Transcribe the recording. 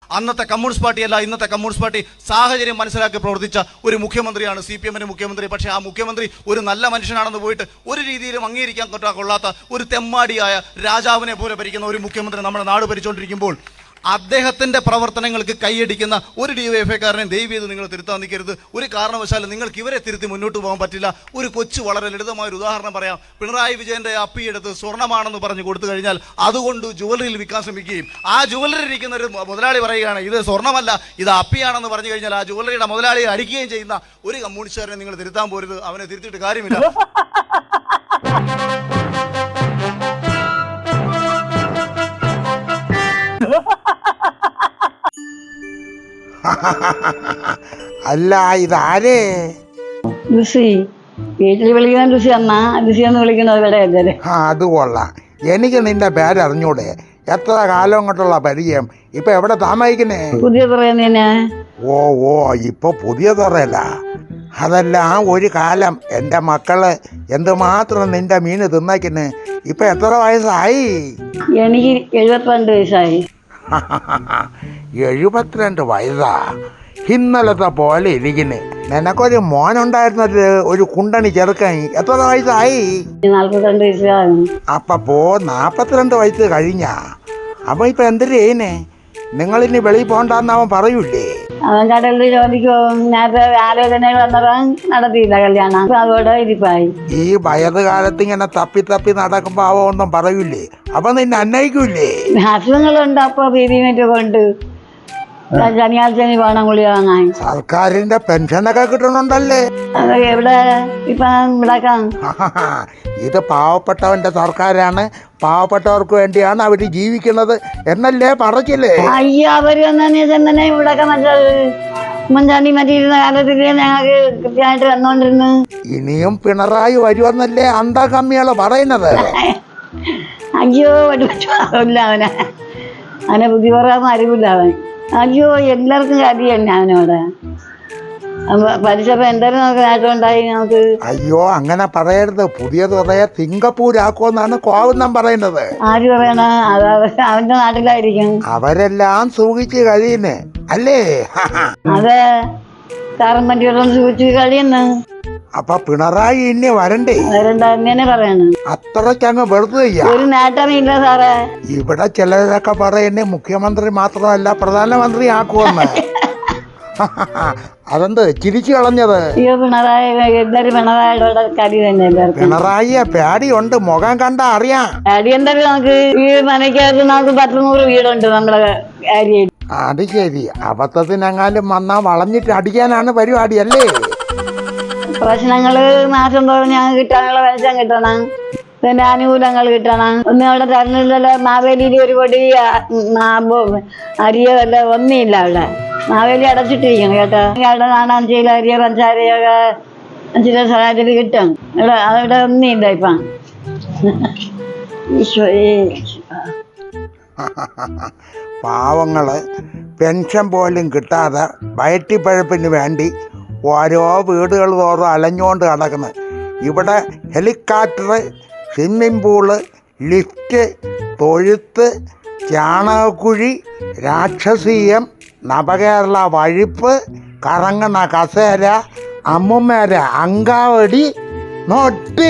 അന്നത്തെ കമ്മ്യൂണിസ്റ്റ് പാർട്ടിയല്ല ഇന്നത്തെ communist party സാഹചര്യം മനസ്സിലാക്കി പ്രവർത്തിച്ച ഒരു മുഖ്യമന്ത്രിയാണ് CPM മുഖ്യമന്ത്രി. പക്ഷേ ആ മുഖ്യമന്ത്രി ഒരു നല്ല മനുഷ്യനാണെന്ന് പോയിട്ട് ഒരു രീതിയിലും അംഗീകരിക്കാൻ കൊള്ളാത്ത ഒരു തെമ്മാടിയായ രാജാവിനെ പോലെ ഭരിക്കുന്ന ഒരു മുഖ്യമന്ത്രി നമ്മുടെ നാട് ഭരിച്ചുകൊണ്ടിരിക്കുമ്പോൾ അദ്ദേഹത്തിൻ്റെ പ്രവർത്തനങ്ങൾക്ക് കൈയടിക്കുന്ന ഒരു DYFIക്കാരനെ ദയവ് ചെയ്ത് നിങ്ങൾ തിരുത്താൻ നിൽക്കരുത്. ഒരു കാരണവശാലും നിങ്ങൾക്ക് ഇവരെ തിരുത്തി മുന്നോട്ട് പോകാൻ പറ്റില്ല. ഒരു കൊച്ചു വളരെ ലളിതമായൊരു ഉദാഹരണം പറയാം. പിണറായി വിജയൻ്റെ അപ്പിയെടുത്ത് സ്വർണ്ണമാണെന്ന് പറഞ്ഞ് കൊടുത്തു കഴിഞ്ഞാൽ അതുകൊണ്ട് ജുവലറിയിൽ വിൽക്കാൻ ശ്രമിക്കുകയും ആ ജുവലറി ഇരിക്കുന്ന ഒരു മുതലാളി പറയുകയാണ് ഇത് സ്വർണ്ണമല്ല ഇത് അപ്പിയാണെന്ന് പറഞ്ഞു കഴിഞ്ഞാൽ ആ ജുവലറിയുടെ മുതലാളിയെ അടിക്കുകയും ചെയ്യുന്ന ഒരു കമ്മ്യൂണിസ്റ്റുകാരനെ നിങ്ങൾ തിരുത്താൻ പോരുത്. അവനെ തിരുത്തിയിട്ട് കാര്യമില്ല. അല്ല ഇതാരേ? ലുസി വീട്ടിൽ വിളിക്കുന്ന ലുസി അമ്മ ലുസി എന്ന് വിളിക്കുന്നത് ഇവിടെ. അത് കൊള്ളാം. എനിക്ക് നിന്റെ പേരറിഞ്ഞൂടെ? എത്ര കാലം കൊണ്ടുള്ള പരിചയം. ഇപ്പൊ എവിടെ താമസിക്കുന്നേ? പുതിയ തുറയുന്നതിന്. ഓ ഇപ്പൊ പുതിയ തുറയല്ല. അതല്ല ഒരു കാലം എൻ്റെ മക്കള് എന്തുമാത്രം നിന്റെ മീന് തിന്നയ്ക്കുന്നു. ഇപ്പൊ എത്ര വയസ്സായി? എനിക്ക് 72 വയസ്സായി. 72 വയസ്സാ? ഇന്നലത്തെ പോലെ ഇരിക്കുന്നു. നിനക്കൊരു മോനുണ്ടായിരുന്നത് ഒരു കുണ്ടണി ചെറുക്കൻ. എത്ര വയസ്സായി? 42 വയസ്സായി. അപ്പോ 42 വയസ്സ് കഴിഞ്ഞാ? അപ്പൊ ഇപ്പൊ എന്തൊരു ചെയ്യുന്നേ? നിങ്ങളിനി വെളിയിൽ പോണ്ടെന്ന് അവൻ പറയൂലേ? അവൻ കടലിൽ ജോലിക്ക് പോകും. നേരത്തെ ആലോചനകൾ വന്നപ്പോൾ നടത്തിയില്ല കല്യാണം. അതോടെ ഇരിപ്പായി. ഈ വയറുകാലത്ത് ഇങ്ങനെ തപ്പി തപ്പി നടക്കുമ്പോ അവ ഒന്നും പറയൂലേ? അപ്പൊ നിന്നെ അന്വയിക്കൂലേ? അസുഖങ്ങളുണ്ട്. അപ്പൊ പീരിമേറ്റ് കൊണ്ട് ശനിയാഴ്ച വേണം ഗുളിക വാങ്ങാൻ. സർക്കാരിന്റെ പെൻഷനൊക്കെ കിട്ടണുണ്ടല്ലേ? അത് എവിടെ ഇപ്പൊ ഇവിടെക്കാം. ഇത് പാവപ്പെട്ടവന്റെ സർക്കാരാണ്. പാവപ്പെട്ടവർക്ക് വേണ്ടിയാണ് അവര് ജീവിക്കുന്നത് എന്നല്ലേ പറച്ചില്ലേ? അയ്യോ അവര് തന്നെ ഇവിടെയൊക്കെ മറ്റത് ഉമ്മൻചാണ്ടി മറ്റിരുന്ന കാലത്തില് ഞങ്ങൾക്ക് കൃത്യമായിട്ട് വന്നോണ്ടിരുന്നു. ഇനിയും പിണറായി വരുമെന്നല്ലേ അന്താ കമ്മികള് പറയുന്നത്? അയ്യോ പറ്റില്ല അവനെ ബുദ്ധി പറയാൻ അറിവില്ല അവൻ. അയ്യോ എല്ലാവർക്കും കാര്യം തന്നെ അവനോട് പഠിച്ചപ്പോ എന്തായാലും നമുക്ക് നേട്ടമുണ്ടായി നമുക്ക്. അയ്യോ അങ്ങനെ പറയരുത്. പുതിയ തുറയെ സിംഗപ്പൂരാക്കുമെന്നാണ് കോവുന്നം പറയുന്നത്. ആര് പറയണ? അത് അവന്റെ നാട്ടിലായിരിക്കും. അവരെല്ലാം സൂക്ഷിച്ച് കഴിയുന്നേ അല്ലേ? അതെ സാറും പറ്റിയോളം സൂക്ഷിച്ച് കഴിയുന്നു. അപ്പൊ പിണറായി ഇനി വരണ്ടേ? വരണ്ടെന്നെ പറയണ. അത്രയ്ക്കങ്ങ് വെറുതെ ഒരു നേട്ടമില്ല സാറേ. ഇവിടെ ചിലരൊക്കെ പറയുന്നേ മുഖ്യമന്ത്രി മാത്രമല്ല പ്രധാനമന്ത്രി ആക്കുമെന്ന്. അതെന്ത് ചിരിച്ചു കളഞ്ഞത്? അയ്യോ പിണറായി എല്ലാരും പിണറായിയുടെ കരി തന്നെ. പിണറായിയെ പേടിയുണ്ട്. മുഖം കണ്ടാ അറിയാം. പേടി എന്തായാലും നമുക്ക് ഈ മനക്കകത്ത് നമുക്ക് 100 വീടുണ്ട് നമ്മുടെ ഏരിയയിൽ. അത് ശരി. അബദ്ധത്തിനെങ്ങാനും വന്നാ വളഞ്ഞിട്ട് അടിക്കാനാണ് പരിപാടി അല്ലേ? പ്രശ്നങ്ങള് മാസം തോറും ഞങ്ങൾക്ക് കിട്ടാനുള്ള പെൻഷൻ കിട്ടണം. പിന്നെ ആനുകൂല്യങ്ങൾ കിട്ടണം. ഒന്നും അവിടെ തരുന്നില്ലല്ലോ. മാവേലിയിൽ ഒരു പൊടി അരിയോ വല്ല ഒന്നുമില്ല അവിടെ. മാവേലി അടച്ചിട്ടിരിക്കണം കേട്ടോ. അവിടെ കാണാൻ ചെയ്യില്ല. അരിയോ പഞ്ചാരയൊക്കെ ചില സ്ഥലത്തിൽ കിട്ടും. അവിടെ ഒന്നുമില്ല ഇപ്പം. പാവങ്ങള് പെൻഷൻ പോലും കിട്ടാതെ വയറ്റിപ്പഴപ്പിന് വേണ്ടി ഓരോ വീടുകൾ തോറും അലഞ്ഞുകൊണ്ട് കിടക്കുന്നു. ഇവിടെ ഹെലികോപ്റ്റർ, സ്വിമ്മിംഗ് പൂള്, ലിഫ്റ്റ്, തൊഴുത്ത്, ചാണകക്കുഴി, രാക്ഷസീയം, നവകേരള വഴിപ്പ്, കറങ്ങണ കസേര, അമ്മുമേര അങ്കാവടി, നോട്ടി.